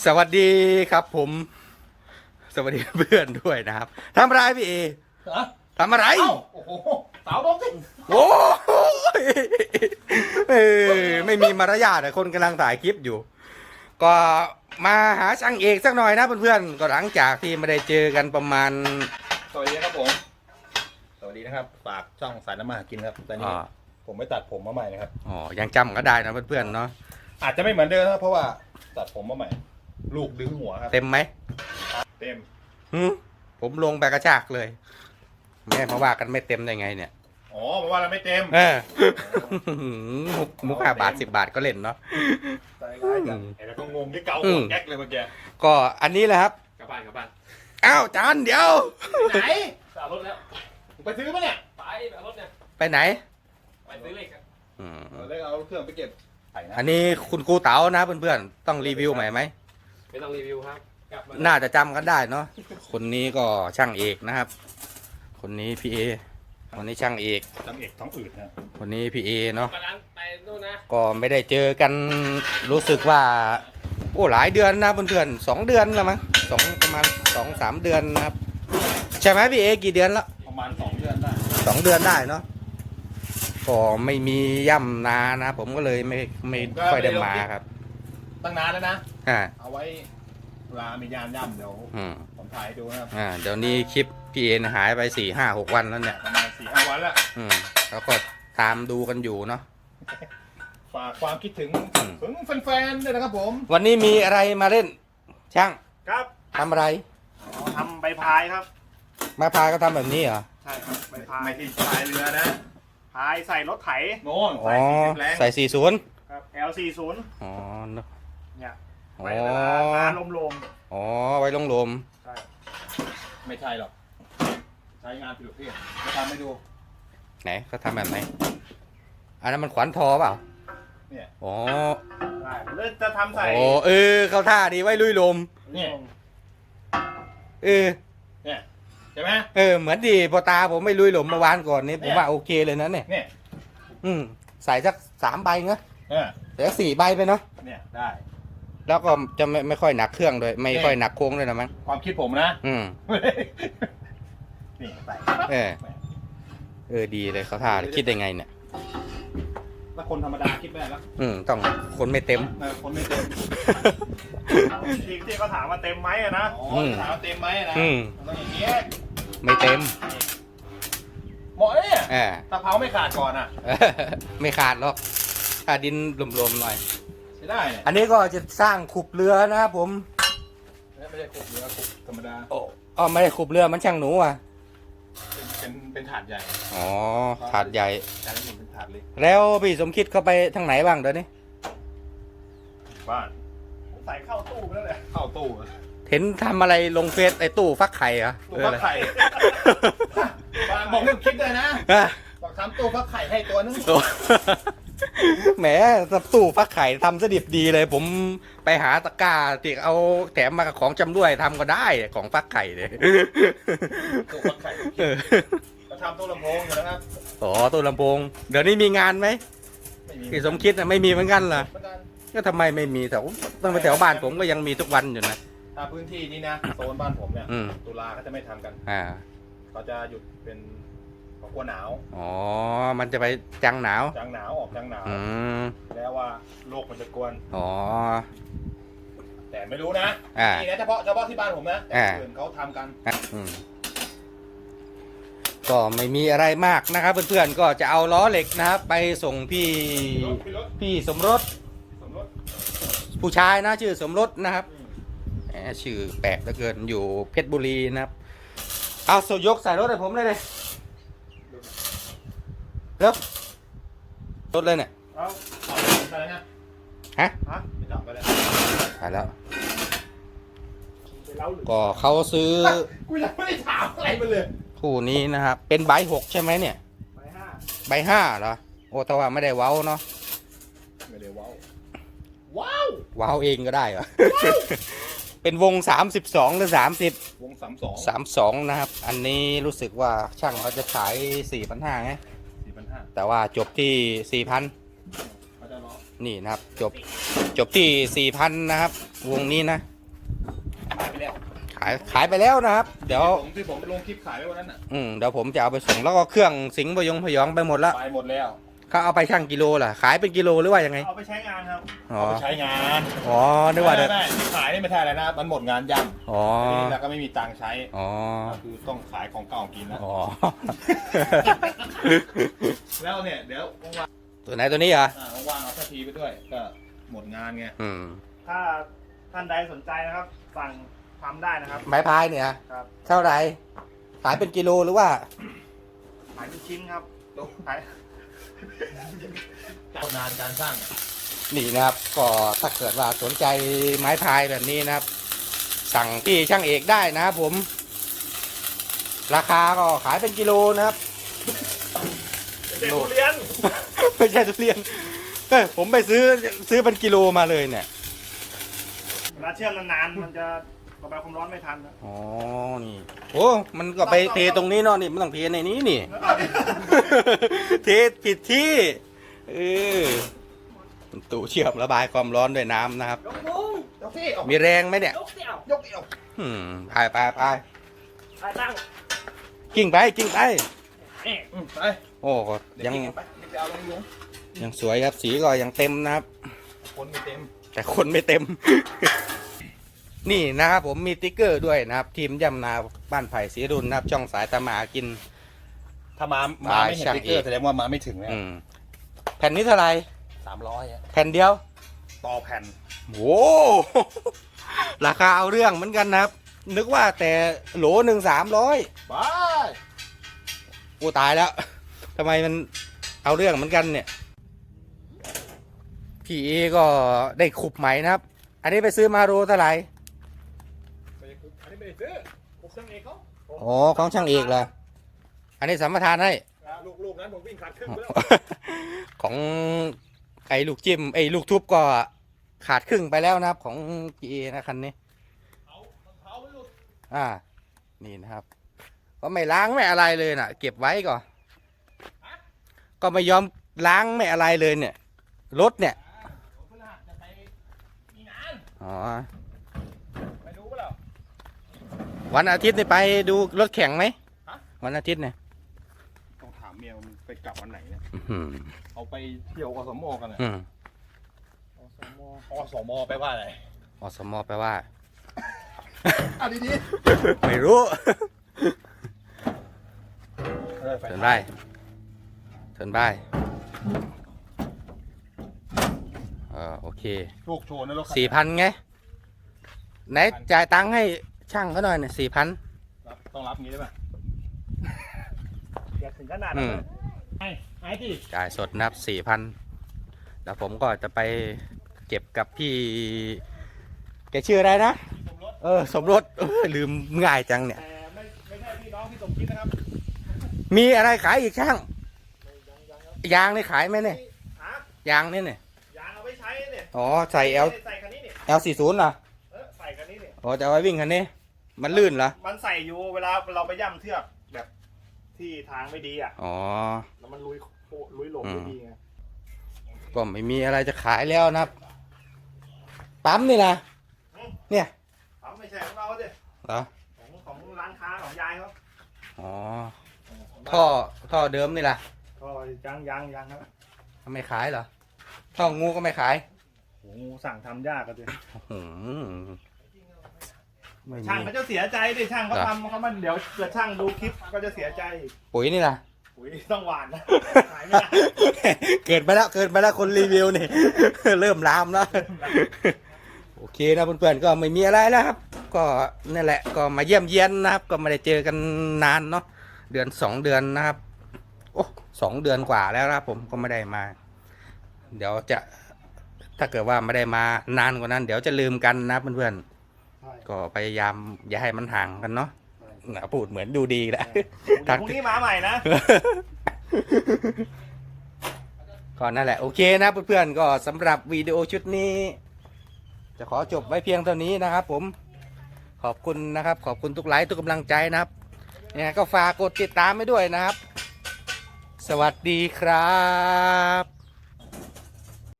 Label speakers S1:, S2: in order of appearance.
S1: สวัสดีครับผมสวัสดีเพื่อนด้วยนะครับทำอะไรพี่เอทำอะไร
S2: โอ้โหสาวดงสิ
S1: โอ้ยไม่มีมารยาทเลยคนกำลังถ่ายคลิปอยู่ ก็มาหาช่างเอกสักหน่อยนะเพื่อนๆก็หลังจากที่ไม่ได้เจอกันประมาณ
S2: สวัสดีครับผมสวัสดีนะครับฝากช่องสายน้ำมาหากินครับแต่นี้ผมไปตัดผมมาใหม่นะครับ
S1: อ๋อยังจำก็ได้นะเพื่อนๆเนาะ
S2: อาจจะไม่เหมือนเดิมครับเพราะว่าตัดผมมาใหม่ลูกดึงหัวครับ
S1: เต็มไหม
S2: เต็ม
S1: ผมลงไปกระชากเลยแม่มาว่ากันไม่เต็มได้ไงเนี่ย
S2: อ๋อแปลว่าเราไม่เต็ม
S1: มุก5 บาท 10 บาทก็เล่นเนาะ
S2: ใจร้ายจังแล้วก็งงที่เกาหัวแก๊กเลยเมื่อกี้
S1: ก็อันนี้แหละครับ
S2: กลับบ้าน
S1: อ้าวจานเดี๋ยว
S2: ไหนสาวรถแล้วไปซื้อปะเนี่ยไปเอารถเนี่ย
S1: ไปไหน
S2: ไปซื้อเหล็กครับเหล็กเอาเครื่องไปเก็บ
S1: อันนี้คุณครูเต๋านะเพื่อนๆต้องรีวิวใหม่ไหม
S2: ไม่ต้องรีวิวครับ
S1: น่าจะจำกันได้เนาะคนนี้ก็ช่างเอกนะครับคนนี้พี่เอคนนี้ช่างเอก
S2: ท้องอืดนะ
S1: คนนี้พี่เอเนาะก็ไม่ได้เจอกันรู้สึกว่าโอ้หลายเดือนนะเพื่อนๆ2 เดือนแล้วมั้งประมาณ2-3 เดือนนะครับใช่ไหมพี่เอกี่เดือนแล้ว
S2: ประมาณ2 เดือนได้
S1: 2 เดือนได้เนาะก็ไม่มีย่ำนานะผมก็เลยไม่ค่อยได้มาครับ
S2: ตั้งนานแล้วนะเอาไว้เวลามียานย่ำเดี๋ยวผมถ่ายดูนะครับ
S1: เดี๋ยวนี้คลิปพี่เอหายไป4-5-6 วันแล้วเนี่ย
S2: ประมาณ4-5 วันแล้ว
S1: แล้วก็ตามดูกันอยู่เนาะ
S2: ฝากความคิดถึงแฟนๆด้วยนะครับผม
S1: วันนี้มีอะไรมาเล่นช่าง
S2: ครับ
S1: ทำอะไร
S2: ทำใบพายครับ
S1: ไม้พายก็ทำแบบนี้เหรอ
S2: ใช่ครับใบพายไม่ที่พายเรือนะพายใส่รถไถ
S1: โน่นใส่40
S2: ครับ L40
S1: อ๋อ
S2: เนี่ย
S1: ไว้
S2: ลม
S1: อ๋อไว้ลม
S2: ใช่ไม่ใช่หรอกใช้งานผิดประเภทจะทำให้ดู
S1: ไหนเขาทำแบบไหนอันนั้นมันขวานทอเปล่า
S2: เนี่ย
S1: อ๋อ
S2: เล่นจะทำใส่
S1: โอ้เขาท่าดีไว้ลุยลม
S2: เนี่ยเนี่ยใช่ไหม
S1: เหมือนดีพอตาผมไม่ลุยลมเมื่อวานก่อนนี้ผมว่าโอเคเลยนะเนี่ยใส่สัก3 ใบเนาะแต่4 ใบไปเนาะ
S2: เนี่ยได้
S1: แล้วก็จะไม่ค่อยหนักเครื่องด้วยไม่ค่อยหนักโค้งด้วยนะมั้ง
S2: ความคิดผมนะนี่ใส่
S1: ดีเลยเขาท่าคิดได้ไงเนี่ย
S2: แล้วคนธรรมดาคิดไม่ได้แล้ว
S1: ต้องคนไม่เต็ม
S2: คนไม่เต็มที่เขาถามว่าเต็มไหมนะถามว่าเต็มไหมนะต้องอย่างนี้
S1: ไม่เต็ม
S2: เหมาะเนี่ยตะเภาไม่ขาดก่อนอ่ะ
S1: ไม่ขาดหรอกถ้าดินรวมๆหน่อย
S2: ใช่ได้
S1: อันนี้ก็จะสร้างขุบเรือนะครับผม
S2: ไม่ได้ขุบเรือขุบธรรมดา
S1: ไม่ได้ขุบเรือมันช่างหนูอ่ะ
S2: เป็นถาดใหญ่
S1: อ๋อถาดใหญ่
S2: แต่ละหนึ่งเป็นถาดเล็ก
S1: แล้วพี่สมคิดเข้าไปทางไหนบ้างเดี๋ยวนี้
S2: บ้านใส่เข้าตู้ไปแล้วแหละเข้าตู้
S1: เห็นทำอะไรลงเฟซไอ้ตู้ฟักไข่เหรอ
S2: ตู้ฟักไข่บอกเรื่องคิดเลยนะบอกทำตู้ฟักไข่ให้ตัวนึง
S1: แหมตู้ฟักไข่ทำสดิบดีเลยผมไปหาตะกร้าที่เอาแถมมากับของจำด้วยทำก็ได้ของฟักไข่เลย
S2: ตู้ฟักไข่เราทำตู้ลำโพงอยู่นะครับ
S1: ตู้ลำโพงเดี๋ยวนี้มีงานไหมพี่สมคิดไม่มีเหมือนกันเหรอก็ทำไมไม่มีแถวตั้งแต่แถวบ้านผมก็ยังมีทุกวันอยู่นะ
S2: ถ้าพื้นที่นี้นะโซนบ้านผมเนี่ยตุลาเขาจะไม่ทำกันเขาจะหยุดเป็นกลัวหนาว
S1: มันจะไปจังหนาว
S2: ออกจังหนาวแล้วว่าโลกมันจะกวนแต่ไม่รู้นะนี่นะเฉพาะที่บ้านผมนะแต่อื่นเขาทำกัน
S1: ก็ไม่มีอะไรมากนะครับเพื่อนๆก็จะเอาล้อเหล็กนะครับไปส่งพี่สมรสผู้ชายนะชื่อสมรสนะครับชื่อแปลกเหลือเกินอยู่เพชรบุรีนะครับเอายกใส่รถให้ผมเลยแล้วรถเลยเนี่ย
S2: ไปแล้วนะ
S1: ฮะ
S2: ไปจับไปแล้ว
S1: ไปแล้วก็เขาซื้อ
S2: กูยังไม่ได้ถามอะไรมาเลย
S1: คู่นี้นะครับเป็นใบ6ใช่ไหมเนี่ยใบ 5เหรอโอ้แต่ว่าไม่ได้เว้าเนาะ
S2: ไม่ได้เว้า
S1: ว้าวเองก็ได้เหรอเป็นวง32หรือ30
S2: วง
S1: 32นะครับอันนี้รู้สึกว่าช่างเขาจะขาย 4,500ไงแต่ว่าจบที่ 4,000นี่นะครับจบที่ 4,000นะครับวงนี้นะ
S2: แล้ว
S1: ขายไปแล้วนะครับ เดี๋ยว
S2: ที่ผมลงคลิปขายไว้วันนั้นอ่ะ
S1: เดี๋ยวผมจะเอาไปส่งแล้วก็เครื่องสิงห์พยองไปหมดแล้ว
S2: ไปหมดแล้ว
S1: เขาเอาไปชั่งกิโลล่ะขายเป็นกิโลหรือว่ายังไง
S3: เอาไปใช้งานครับ
S1: อ๋อ
S2: เอาไปใช้งาน
S1: อ๋อนึกว่าเดี๋ยว
S2: ไม่ขายนี่ไม่ใช่อะไรนะ มันหมดงานยัง
S1: อ๋อ
S2: แล้วก็ไม่มีตังค์ใช้
S1: อ๋อ
S2: คือต้องขายของเก่ากินแล้ว
S1: อ๋อ
S2: แล้วเนี่ยเดี๋ยวว่าง
S1: ตัวไหนตัวนี้เหรอ
S2: ๆว่างๆเอาสักทีไปด้วย ก็หมดงานไง
S3: ถ้าท่านใดสนใจนะครับ สั่งทำได้นะครับ
S1: ไม้พายเนี่ย
S3: ครับ
S1: เท่าไหร่ขายเป็นกิโลหรือว่า
S3: ขายเป็นชิ้นครับขาย
S2: นานการสร้าง
S1: นี่นะครับ ก็ถ้าเกิดว่าสนใจไม้พายแบบนี้นะครับ สั่งที่ช่างเอกได้นะครับผม ราคาก็ขายเป็นกิโลนะครับ
S3: เด็กทุเรียน
S1: ไม่ใช่ทุเรียนผมไปซื้อเป็นกิโลมาเลยเนี่ย
S3: เวลาเชื่อมนานๆมันจะระบายความร้อนไม่ทันนะ
S1: อ๋อ นี่ โอ้ มันก็ไปเทตรงนี้เนาะนี่มันต้องเทในนี้นี่ เทผิดที่ตู้เชื่อมระบายความร้อนด้วยน้ำนะครับ
S2: ยกที่
S1: มีแรงไหมเนี่ย
S3: ยกเดี่ยวย
S2: กเดี่ยว
S1: ไป
S3: ไปตั้ง
S1: กิ้งไปกิ้งไป
S3: นี่
S2: ไป
S1: โอ้ก็ยัง
S2: ไปเอาลงยุง
S1: ยังสวยครับสีก็ยังเต็มนะครับ
S2: คนไม่เต็ม
S1: แต่คนไม่เต็ม นี่นะครับผมมีติ๊กเกอร์ด้วยนะครับ ทีมย่ำนาบ้านไผ่ศรีรุนนะครับช่องสายตามากิน
S2: ถ้ามาไม่เห็นติ๊กเกอร์แสดงว่ามาไม่ถึงแล้ว
S1: แผ่นนี้เท่าไหร่
S2: 300อ่ะ
S1: แผ่นเดียว
S2: ต่อแผ่น
S1: โอ้ ราคาเอาเรื่องเหมือนกันนะครับ นึกว่าแต่โหลหนึ่ง300
S2: บาย
S1: กูตายแล้วทำไมมันเอาเรื่องเหมือนกันเนี่ยพี่เอก็ได้ขุบใหม่นะครับ อันนี้ไปซื้อมาโลเท่าไหร่
S2: อันนี้ไม่ได้ซื้อผมช่างเองเขา
S1: อ๋อของช่างเอกเหรออันนี้สัมปทานให้
S2: ลูกนั้นผมวิ่งขาดครึ่งไปแล้ว
S1: ของไอ้ลูกจิ้มไอ้ลูกทุบก็ขาดครึ่งไปแล้วนะครับ ของพี่เอนะคันนี้นี่นะครับ ก็ไม่ล้างไม่อะไรเลยน่ะ เก็บไว้ก่อนก็ไม่ยอมล้างไม่อะไรเลยเนี่ยรถเนี่ยอ๋อ
S2: ไปดูเปล่า
S1: วันอาทิตย์นี่ไปดูรถแข่งไหมวันอาทิตย์เนี่ย
S2: ต้องถามเมียมันไปกลับวันไหนเนี่ย
S1: อื้อหือ
S2: เอาไปเที่ยวอสมกันนะ
S1: อืม
S2: อสมแปลว่าอะไร
S1: อสมแปลว่า
S2: อ่ะดี
S1: ไม่รู้
S2: ๆ
S1: เถินได้เถินได้โอเค
S2: ลูกโชว์นะรถ
S1: 4,000ไงไหนจ่ายตังค์ให้ช่างเขาหน่อยเนี่ย4,000
S2: ต้องรับงี้ได้ป่ะ
S3: อย่าถึงขนาดนั้นเลยไอ้ที่
S1: จ่ายสดนะครับ4,000แล้วผมก็จะไปเก็บกับพี่แกชื่ออะไรนะสมรสลืมง่ายจังเนี่ย
S3: แต่ไม่ใช่พี่น้องพี่สมคิดนะครับ
S1: มีอะไรขายอีกช่างยางนี่ขายไหมเนี่ย
S3: ฮะ
S1: ยางนี่เนี่ย
S3: ยางเอาไว้ใช้เนี่ย
S1: อ๋อใส่
S3: ใส่คันนี้เนี่ย
S1: L40 เหรอ
S3: ใส่คันนี้เนี่ย
S1: อ๋อจะเอาไว้วิ่งคันนี้มันลื่นเหรอ
S3: มันใส่อยู่เวลาเราไปย่ำเทือกแบบที่ทางไม่ดีอ่ะ
S1: อ๋อ
S3: แล้วมันลุยหลงไม่ดีไง
S1: ก็ไม่มีอะไรจะขายแล้วนะครับปั๊มนี่นะเนี่ย
S3: เขาไม่ใช่ของเราสิ
S1: เหรอ
S3: ของร้านค้าของยายเขา
S1: อ๋อท่อเดิมนี่ล่ะ
S3: ก็ยังครับ
S1: ไม่ขายเหรอท่องูก็ไม่ขาย
S3: โอ้สั่งทำยากกันเลย
S1: อื้อหือไม่
S3: ช่าง
S1: มี
S3: เขาจะเสียใจดิช่างเขาทำเขามันเดี๋ยวเกิดช่างดูคลิปก็จะเสียใจ
S1: ปุ๋ยนี่ล่ะ
S3: อุ้ยต้องหวานนะขายไม่ได้
S1: เกิดไปแล้วคนรีวิวนี่ เริ่มลามแล้ว โอเคนะเพื่อนๆก็ไม่มีอะไรแล้วครับ ก็นั่นแหละก็มาเยี่ยมเยียนนะครับ ก็ไม่ได้เจอกันนานเนาะเดือน2 เดือนนะครับ โอ้2 เดือนกว่าแล้วนะครับผมก็ไม่ได้มา เดี๋ยวจะถ้าเกิดว่าไม่ได้มานานกว่านั้น เดี๋ยวจะลืมกันนะเพื่อนๆก็พยายามอย่าให้มันห่างกันเนาะพูดเหมือนดูดีแหละ
S3: พรุ่งนี้มาใหม่นะ
S1: ก็นั่นแหละโอเคนะเพื่อนๆก็สำหรับวิดีโอชุดนี้ จะขอจบไว้เพียงเท่านี้นะครับผมขอบคุณนะครับขอบคุณทุกไลค์ทุกกำลังใจนะครับเนี่ยก็ฝากกดติดตามไว้ด้วยนะครับ สวัสดีครับ